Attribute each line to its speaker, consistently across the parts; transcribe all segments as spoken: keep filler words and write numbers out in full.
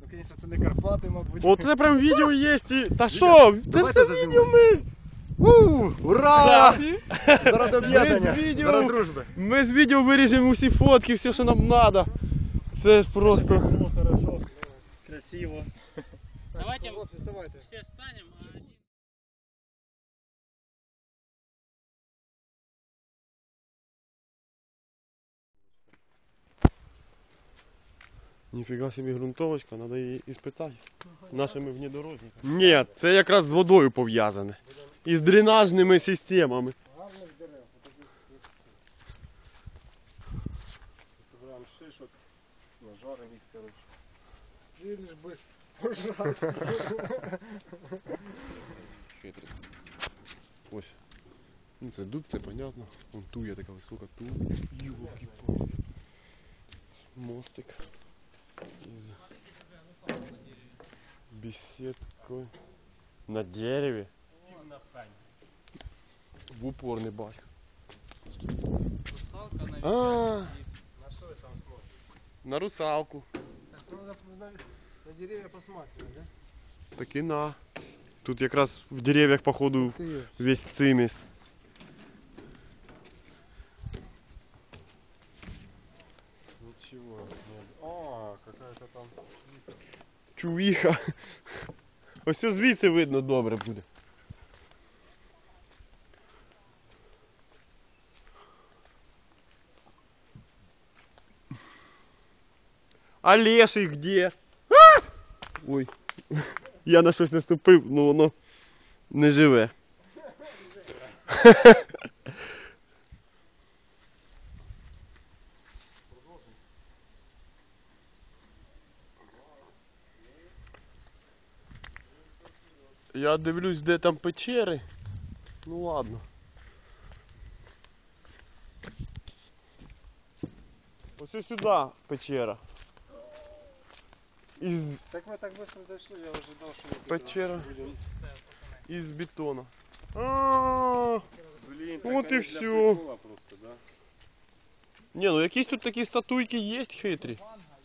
Speaker 1: Ну, звісно, це не Карпати, мабуть.
Speaker 2: Оце прям відео є і... Та що? Це все відео ми...
Speaker 1: У, ура! Заради об'єднання,
Speaker 2: Ми з відео-
Speaker 1: заради дружби.
Speaker 2: Ми з відео виріжемо усі фотки, все, що нам треба. Це ж просто...
Speaker 1: Хорошо, красиво.
Speaker 3: Давайте
Speaker 1: Хлопці, вставайте.
Speaker 3: все станем. а один-
Speaker 2: Ніфіга собі ґрунтовочка, треба її іспитати нашими внедорожниками. Ні, це якраз з водою пов'язане. І з дренажними системами.
Speaker 1: Гарних дерев. Собираємо шишок, нажаримо їх, коротше. І лиш би пожрати.
Speaker 2: Хитрий. Ось. Ну, це дуб, це понятно. Вон туя така висока, ту. Йолки-палки. Мостик. Із беседкою. На дереві.
Speaker 1: Сів на пень.
Speaker 2: В упор не бачу.
Speaker 3: Русалка, наверное.
Speaker 2: А,
Speaker 1: На що ви там смотрите?
Speaker 2: на русалку.
Speaker 1: Так, ну, надо на, на деревья посматривать, да?
Speaker 2: Так і на. Тут якраз в дерев'ях, походу,
Speaker 1: Ты
Speaker 2: весь циміс.
Speaker 1: Ничего. Нет. А, какая-то там.
Speaker 2: Чувіха. Ось це звідси видно добре буде. А леший где? А! Ой. Я на щось наступив, ну воно не живе. Я дивлюсь, де там печери. Ну ладно. Ось ось сюди печера. Із
Speaker 1: Так мы так быстро дошли, я ожидал, что мы
Speaker 2: печера.
Speaker 1: будем.
Speaker 2: Із бетона. А,
Speaker 1: Блин,
Speaker 2: Вот
Speaker 1: так
Speaker 2: и
Speaker 1: они для
Speaker 2: всё.
Speaker 1: прикола просто, да?
Speaker 2: ні, ну якісь тут такі статуйки є хитрі.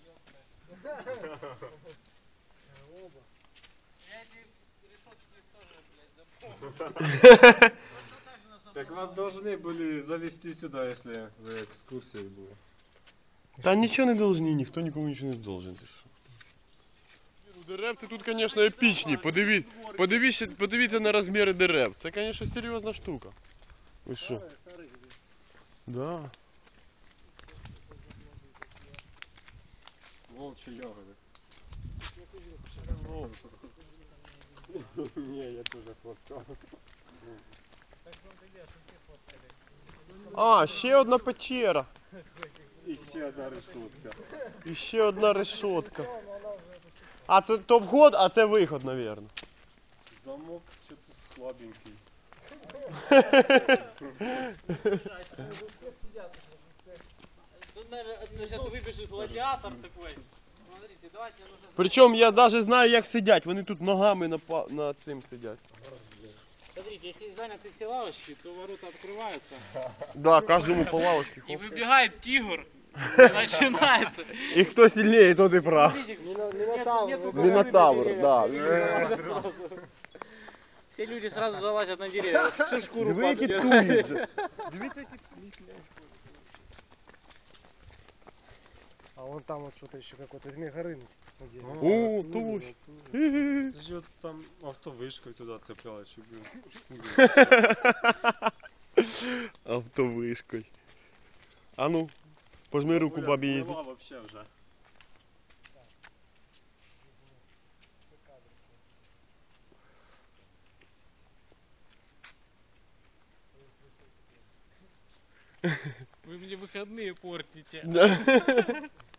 Speaker 3: Я эти решетки тоже, блядь, запомнил.
Speaker 1: Так вас должны были завести сюда, если вы экскурсией были.
Speaker 2: Та нічого не должны, ніхто нікому нічого не должен. Ти що? Деревці тут, звісно, епічні. Подиві... Подивіться, подивіться на розміри дерев. Це, звісно, серйозна штука. Ви що? Да.
Speaker 1: Волчьи ягоды. Не, я тоже фоткал.
Speaker 2: А, ще одна печера.
Speaker 1: Еще одна решетка.
Speaker 2: І ще одна решетка. А це то вход, а це виход, мабуть.
Speaker 1: Замок что-то слабенький.
Speaker 3: Тут, наверное, сейчас выбежит гладиатор такой. Смотрите, давайте нужно...
Speaker 2: Причому я навіть знаю, як сидять. Вони тут ногами на, па- на цим сидять.
Speaker 3: Смотрите, если заняты все лавочки, то ворота открываются.
Speaker 2: Да, кожному по лавочці.
Speaker 3: И
Speaker 2: хоп.
Speaker 3: выбегает тигр. И начинает.
Speaker 2: І хто сильніше, тот і прав.
Speaker 1: Минотавр.
Speaker 2: Мінотавр, да.
Speaker 3: Все люди сразу залазят на деревья. Всю шкуру
Speaker 2: Диви, які
Speaker 3: падают.
Speaker 2: туї. Дивіться, які
Speaker 4: А вон там вот что-то еще какой-то Змей Горыныч.
Speaker 2: О, туш.
Speaker 1: Это же вот там автовышкой туда цеплялось, чтобы...
Speaker 2: Автовишкою. А ну, пожми руку бабі Єзі.
Speaker 1: Вообще уже.
Speaker 3: Вы мне выходные портите.
Speaker 2: Да.